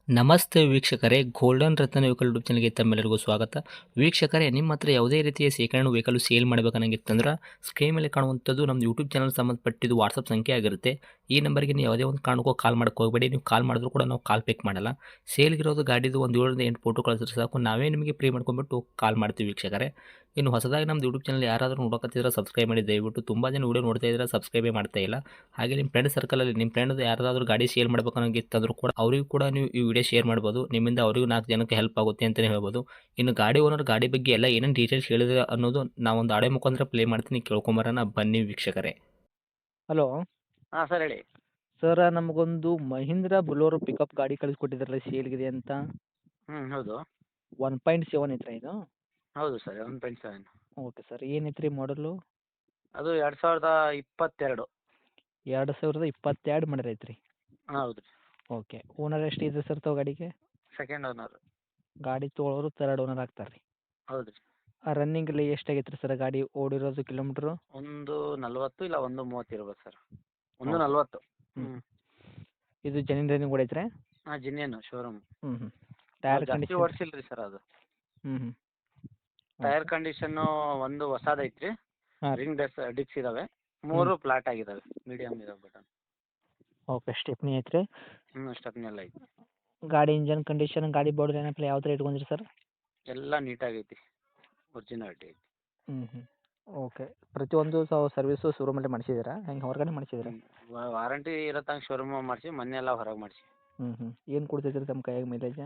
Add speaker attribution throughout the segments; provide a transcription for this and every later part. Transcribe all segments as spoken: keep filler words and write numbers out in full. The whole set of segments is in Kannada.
Speaker 1: ನಮಸ್ತೆ ವೀಕ್ಷಕರೇ, ಗೋಲ್ಡನ್ ರತ್ನ ವೆಹಿಕಲ್ ಯೂಟ್ಯೂಬ್ ಚಾನಲ್ಗೆ ತಮ್ಮೆಲ್ಲರಿಗೂ ಸ್ವಾಗತ. ವೀಕ್ಷಕರೇ, ನಿಮ್ಮ ಹತ್ರ ಯಾವುದೇ ರೀತಿಯ ಶೇಖರಣೆ ವೆಹಿಕಲ್ ಸೇಲ್ ಮಾಡಬೇಕನ್ನಂಗಿತ್ತಂದ್ರೆ ಸ್ಕ್ರೀನ್ ಮೇಲೆ ಕಾಣುವಂಥದ್ದು ನಮ್ಮ ಯೂಟ್ಯೂಬ್ ಚಾನಲ್ ಸಂಬಂಧಪಟ್ಟಿದ್ದು ವಾಟ್ಸಪ್ ಸಂಖ್ಯೆ ಆಗಿರುತ್ತೆ. ಈ ನಂಬರ್ಗೆ ನೀವು ಯಾವುದೇ ಒಂದು ಕಾರಣಕ್ಕೂ ಕಾಲ್ ಮಾಡಕ್ಕೆ ಹೋಗಬೇಡಿ. ನೀವು ಕಾಲ್ ಮಾಡಿದ್ರು ಕೂಡ ನಾವು ಕಾಲ್ ಪಿಕ್ ಮಾಡಲ್ಲ. ಸೇಲ್ಗಿರೋದು ಗಾಡಿದು ಒಂದು ಏಳರಿಂದ ಎಂಟು ಫೋಟೋ ಕಳಿಸಿದ್ರೆ ಸಾಕು, ನಾವೇ ನಿಮಗೆ ಪ್ರೀ ಮಾಡ್ಕೊಂಡ್ಬಿಟ್ಟು ಕಾಲ್ ಮಾಡ್ತೀವಿ ವೀಕ್ಷಕರೇ. ಇನ್ನು ಹೊಸದಾಗಿ ನಮ್ಮದು ಯೂಟ್ಯೂಬ್ ಚಾನಲ್ ಯಾರಾದರೂ ನೋಡೋಕತ್ತಿದ್ರೆ ಸಬ್ಸ್ಕ್ರೈಬ್ ಮಾಡಿ ದಯವಿಟ್ಟು. ತುಂಬ ಜನ ವೀಡಿಯೋ ನೋಡ್ತಾ ಇದ್ದಾರೆ, ಸಬ್ಸ್ಕ್ರೈಬೇ ಮಾಡ್ತಾ ಇಲ್ಲ. ಹಾಗೆ ನಿಮ್ಮ ಫ್ರೆಂಡ್ ಸರ್ಕಲಲ್ಲಿ ನಿಮ್ಮ ಫ್ರೆಂಡ್ ಯಾರಾದರೂ ಗಾಡಿ ಸೇಲ್ ಮಾಡಬೇಕನ್ನೋಂಗಿತ್ತಂದ್ರೂ ಕೂಡ ಅವರಿಗೂ ಕೂಡ ನೀವು ಈ ವಿಡಿಯೋ ಶೇರ್ ಮಾಡ್ಬೋದು. ನಿಮ್ಮಿಂದ ಅವರಿಗೂ ನಾಲ್ಕು ಜನಕ್ಕೆ ಹೆಲ್ಪ್ ಆಗುತ್ತೆ ಅಂತಲೇ ಹೇಳ್ಬೋದು. ಇನ್ನು ಗಾಡಿ ಓನರ್ ಗಾಡಿ ಬಗ್ಗೆ ಎಲ್ಲ ಏನೇನು ಡೀಟೇಲ್ಸ್ ಹೇಳಿದ್ರೆ ಅನ್ನೋದು ನಾವೊಂದು ಆಡೆ ಮುಖಾಂತರ ಪ್ಲೇ ಮಾಡ್ತೀನಿ, ಕೇಳ್ಕೊಂಬರೋಣ ಬನ್ನಿ ವೀಕ್ಷಕರೇ.
Speaker 2: ಹಲೋ
Speaker 3: ಹಾಂ ಸರ್ ಹೇಳಿ.
Speaker 2: ಸರ್, ನಮಗೊಂದು ಮಹೀಂದ್ರ ಬುಲೋರೋ ಪಿಕಪ್ ಗಾಡಿ ಕಳಿಸ್ಕೊಟ್ಟಿದ್ರಲ್ಲ ಸೇಲ್ಗಿದೆ ಅಂತ.
Speaker 3: ಹ್ಞೂ ಹೌದು
Speaker 2: ಒನ್ ಪಾಯಿಂಟ್ ಸೆವೆನ್ ಐತ್ರಾ ಇದು?
Speaker 3: ಹೌದು sir one point seven.
Speaker 2: Okay sir, ಏನೈತೆ ರೀ ಮಾಡಲು?
Speaker 3: ಅದು ಎರಡು ಸಾವಿರದ ಇಪ್ಪತ್ತೆರಡು.
Speaker 2: ಎರಡು ಸಾವಿರದ ಇಪ್ಪತ್ತೆರಡು ಮಾಡಲ್ ಐತ್ರಿ.
Speaker 3: ಹೌದು ರೀ.
Speaker 2: ಓಕೆ, ಓನರ್ ಎಷ್ಟು ಇದೆ ಸರ್ ತಾವು ಗಾಡಿಗೆ?
Speaker 3: Second owner.
Speaker 2: ಗಾಡಿ ತೊಗೊಳೋರು ತರ್ಡ್ ಓನರ್ ಆಗ್ತಾರೆ ರೀ.
Speaker 3: ಹೌದು ರೀ.
Speaker 2: ಆ ರನ್ನಿಂಗಲ್ಲಿ ಎಷ್ಟಾಗೈತೆ ರೀ ಸರ್ ಗಾಡಿ ಓಡಿರೋದು ಕಿಲೋಮೀಟ್ರು?
Speaker 3: ಒಂದು ನಲ್ವತ್ತು ಇಲ್ಲ ಒಂದು ಮೂವತ್ತು ಇರ್ಬೋದು ಸರ್. ಒಂದು
Speaker 2: ಹೌದು.
Speaker 3: ನಲ್ವತ್ತು.
Speaker 2: ಹ್ಞೂ.
Speaker 3: ಹ್ಞೂ
Speaker 2: ಇದು ಜನಿನ್ ರನ್ನಿಂಗ್ ಓಡೈತ್ರಿ?
Speaker 3: ಹಾಂ ಜಿನ್ನೇನು ಶೋರೂಮ್.
Speaker 2: ಹ್ಞೂ ಹ್ಞೂ. ಟೈರ್
Speaker 3: ಜಾಸ್ತಿ
Speaker 2: ಕಂಡೀಷನ್?
Speaker 3: ಓಡಿಸಿಲ್ಲ ರೀ ಸರ್ ಅದು.
Speaker 2: ಹ್ಞೂ ಹ್ಞೂ.
Speaker 3: ಟೈರ್ ಕಂಡೀಷನ್ನು ಒಂದು ಹೊಸದೈತೆ ರೀ.
Speaker 2: ಹಾಂ ರೀ.
Speaker 3: ರಿಂಗ್ ಡೆಸ್ ಡಿಕ್ಸ್ ಇದ್ದಾವೆ. ಮೂರು ಫ್ಲಾಟ್ ಆಗಿದ್ದಾವೆ, ಮೀಡಿಯಮ್ ಇದಾವೆ ಬಟನ್.
Speaker 2: ಓಕೆ, ಸ್ಟೆಪ್ನಿ ಐತ್ರಿ.
Speaker 3: ಹ್ಞೂ ಸ್ಟೆಪ್ನಿ ಎಲ್ಲ ಐತಿ.
Speaker 2: ಗಾಡಿ ಇಂಜನ್ ಕಂಡೀಷನ್, ಗಾಡಿ ಬಾಡಿ ಏನಪ್ಪ ಯಾವ ಥರ ಇಟ್ಕೊಂಡ್ರಿ ಸರ್?
Speaker 3: ಎಲ್ಲ ನೀಟಾಗೈತಿ, ಒರಿಜಿನಾಲಿಟಿ ಐತಿ.
Speaker 2: ಹ್ಞೂ ಹ್ಞೂ. ಓಕೆ, ಪ್ರತಿಯೊಂದು ಸ ಸರ್ವಿಸು ಶೋರೂಮಲ್ಲೇ ಮಾಡಿಸಿದ್ದೀರಾ, ಹೆಂಗೆ ಹೊರಗಡೆ ಮಾಡಿಸಿದ್ದೀರಾ?
Speaker 3: ವಾರಂಟಿ ಇರತ್ತಂಗೆ ಶೋರೂಮ್ ಮಾಡಿಸಿ, ಮೊನ್ನೆ ಎಲ್ಲ ಹೊರಗೆ ಮಾಡಿಸಿ.
Speaker 2: ಹ್ಞೂ ಹ್ಞೂ. ಏನು ಕೊಡ್ತೈತೆ ರೀ ತಮ್ಮ ಕೈಯಾಗ ಮೈಲೇಜ್?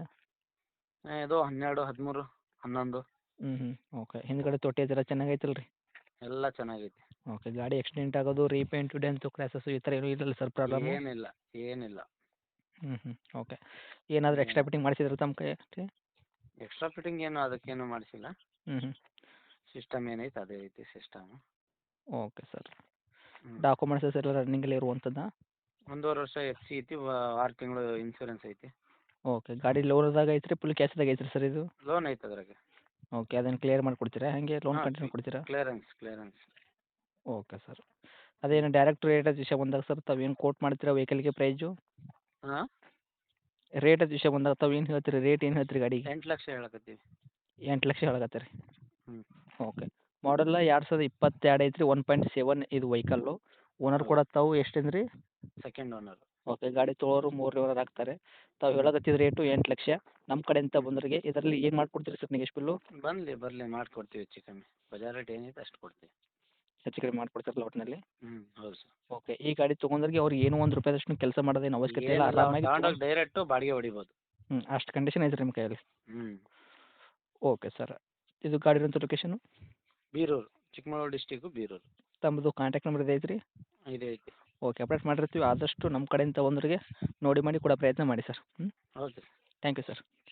Speaker 3: ಇದು ಹನ್ನೆರಡು ಹದಿಮೂರು ಹನ್ನೊಂದು.
Speaker 2: ಹ್ಞೂ ಹ್ಞೂ. ಓಕೆ, ಹಿಂದ್ಗಡೆ ತೊಟ್ಟಿ ಅದೆಲ್ಲ ಚೆನ್ನಾಗೈತಲ್ಲ ರೀ?
Speaker 3: ಎಲ್ಲ ಚೆನ್ನಾಗೈತಿ.
Speaker 2: ಓಕೆ, ಗಾಡಿ ಆಕ್ಸಿಡೆಂಟ್ ಆಗೋದು, ರೀಪೇಂಟು, ಡೆಂತು, ಕ್ರ್ಯಾಸಸ್ಸು ಈ ಥರ ಏನೂ ಇಲ್ಲಲ್ಲ ಸರ್ ಪ್ರಾಬ್ಲಮ್?
Speaker 3: ಏನಿಲ್ಲ ಏನಿಲ್ಲ.
Speaker 2: ಹ್ಞೂ ಹ್ಞೂ. ಓಕೆ, ಏನಾದರೂ ಎಕ್ಸ್ಟ್ರಾ ಫಿಟ್ಟಿಂಗ್ ಮಾಡಿಸಿದ್ರೆ ತಮ್ಮ ಕೈಯಾಗ?
Speaker 3: ಎಕ್ಸ್ಟ್ರಾ ಫಿಟ್ಟಿಂಗ್ ಏನು ಅದಕ್ಕೇನು ಮಾಡಿಸಿಲ್ಲ.
Speaker 2: ಹ್ಞೂ ಹ್ಞೂ.
Speaker 3: ಸಿಸ್ಟಮ್ ಏನೈತೆ ಅದೇ ಐತಿ ಸಿಸ್ಟಮ್.
Speaker 2: Okay sir.
Speaker 3: ಹ್ಞೂ
Speaker 2: ಡಾಕ್ಯುಮೆಂಟ್ಸಸ್ ಎಲ್ಲ ರನ್ನಿಂಗಲ್ಲಿ ಇರುವಂಥದ್ದಾ?
Speaker 3: ಒಂದೂವರೆ ವರ್ಷ ಎಫ್ ಸಿ ಐತಿ, ಆರು ತಿಂಗಳು ಇನ್ಸೂರೆನ್ಸ್ ಐತಿ.
Speaker 2: ಓಕೆ, ಗಾಡಿ ಲೋನ್ದಾಗ ಐತ್ರಿ ಫುಲ್ ಕ್ಯಾಶ್ದಾಗ ಐತ್ರಿ ಸರ್ ಇದು?
Speaker 3: ಲೋನ್ ಐತೆ ಅದ್ರಾಗೆ.
Speaker 2: ಓಕೆ, ಅದನ್ನು ಕ್ಲಿಯರ್ ಮಾಡಿಕೊಡ್ತೀರಾ, ಹಾಗೆ ಲೋನ್
Speaker 3: ಹಾಂ
Speaker 2: ಕಂಟಿನ್ಯೂ ಕೊಡ್ತೀರಾ?
Speaker 3: Clearance clearance.
Speaker 2: Okay sir. ಅದೇನು ಡೈರೆಕ್ಟ್ ರೇಟ್ ವಿಷಯ ಬಂದಾಗ ಸರ್ ತಾವೇನು ಕೋಟ್ ಮಾಡ್ತೀರಾ ವೆಹಿಕಲ್ಗೆ ಪ್ರೈಜು?
Speaker 3: ಹಾಂ
Speaker 2: ರೇಟ್ ವಿಷಯ ಬಂದಾಗ ತಾವು ಏನು ಹೇಳ್ತೀರಿ, ರೇಟ್ ಏನು ಹೇಳ್ತೀರಿ ಗಾಡಿಗೆ?
Speaker 3: ಎಂಟು ಲಕ್ಷ ಹೇಳಕತ್ತೀವಿ.
Speaker 2: ಎಂಟು ಲಕ್ಷ ಹೇಳಕತ್ತೀರಿ?
Speaker 3: ಹ್ಞೂ
Speaker 2: ಓಕೆ. ಮಾಡಲ್ಲ ಎರಡು ಸಾವಿರದ ಇಪ್ಪತ್ತೆರಡು ಐತ್ರಿ, ಒನ್ ಪಾಯಿಂಟ್ ಸೆವೆನ್ ಇದು ವೆಹಿಕಲ್ಲು. ಓನರ್ ಕೂಡ
Speaker 3: ಹೌದು
Speaker 2: ತಾವು ಎಷ್ಟಂದ್ರಿ?
Speaker 3: Second owner.
Speaker 2: ಓಕೆ, ಗಾಡಿ ತೊಗೊಳೋರು ಮೂರನೇ ಓನರ್ ಆಗ್ತಾರೆ. ತಾವು ಹೇಳಕತ್ತಿದ ರೇಟು ಎಂಟು ಲಕ್ಷ. ನಮ್ಮ ಕಡೆಯಿಂದ ಬಂದವರಿಗೆ ಇದರಲ್ಲಿ ಏನು ಮಾಡ್ಕೊಡ್ತೀರಿ ಸರ್ ನೆಗೆಶ್ ಬಿಲ್ಲು?
Speaker 3: ಬರಲಿ ಬರಲಿ ಮಾಡಿಕೊಡ್ತೀವಿ ಹೆಚ್ಚು ಕಮ್ಮಿ. ಬಜಾರ್ ರೇಟ್ ಏನೈತೆ ಅಷ್ಟು ಕೊಡ್ತೀವಿ.
Speaker 2: ಹೆಚ್ಚು ಕಡಿಮೆ ಮಾಡ್ಕೊಡ್ತೀರಲ್ಲ ಒಟ್ಟಿನಲ್ಲಿ?
Speaker 3: ಹ್ಞೂ ಹೌದು ಸರ್.
Speaker 2: ಓಕೆ, ಈ ಗಾಡಿ ತೊಗೊಂಡ್ರಿಗೆ ಅವ್ರಿಗೆ ಏನೋ ಒಂದು ರೂಪಾಯಿದಷ್ಟು ಕೆಲಸ ಮಾಡೋದೇನು ಅವಶ್ಯಕತೆ ಇಲ್ಲ,
Speaker 3: ಏನಿಲ್ಲ,
Speaker 2: ಆರಾಮಾಗಿ
Speaker 3: ತಗೊಂಡೋಗಿ ಡೈರೆಕ್ಟು ಬಾಡಿಗೆ ಹೊಡಿಬೋದು.
Speaker 2: ಹ್ಞೂ, ಅಷ್ಟು ಕಂಡೀಷನ್ ಐತ್ರಿ ನಿಮ್ಮ ಕೈಯಲ್ಲಿ?
Speaker 3: ಹ್ಞೂ
Speaker 2: ಓಕೆ ಸರ್. ಇದು ಗಾಡಿ ಇರೋಂಥ ಲೊಕೇಶನು?
Speaker 3: ಬೀರೂರು, ಚಿಕ್ಕಮಗಳೂರು ಡಿಸ್ಟಿಕ್ಕು ಬೀರೂರು.
Speaker 2: ತಮ್ಮದು ಕಾಂಟ್ಯಾಕ್ಟ್ ನಂಬರ್ ಇದೆ ಐತ್ರಿ?
Speaker 3: ಇದೆ ಐತಿ.
Speaker 2: ಓಕೆ, ಅಪ್ಡೇಟ್ ಮಾಡಿರ್ತೀವಿ. ಆದಷ್ಟು ನಮ್ಮ ಕಡೆಯಿಂದ ಬಂದವರಿಗೆ ನೋಡಿ ಮಾಡಿ ಕೊಡೋ ಪ್ರಯತ್ನ ಮಾಡಿ ಸರ್. ಹ್ಞೂ,
Speaker 3: ಹೌದು.
Speaker 2: Thank you sir.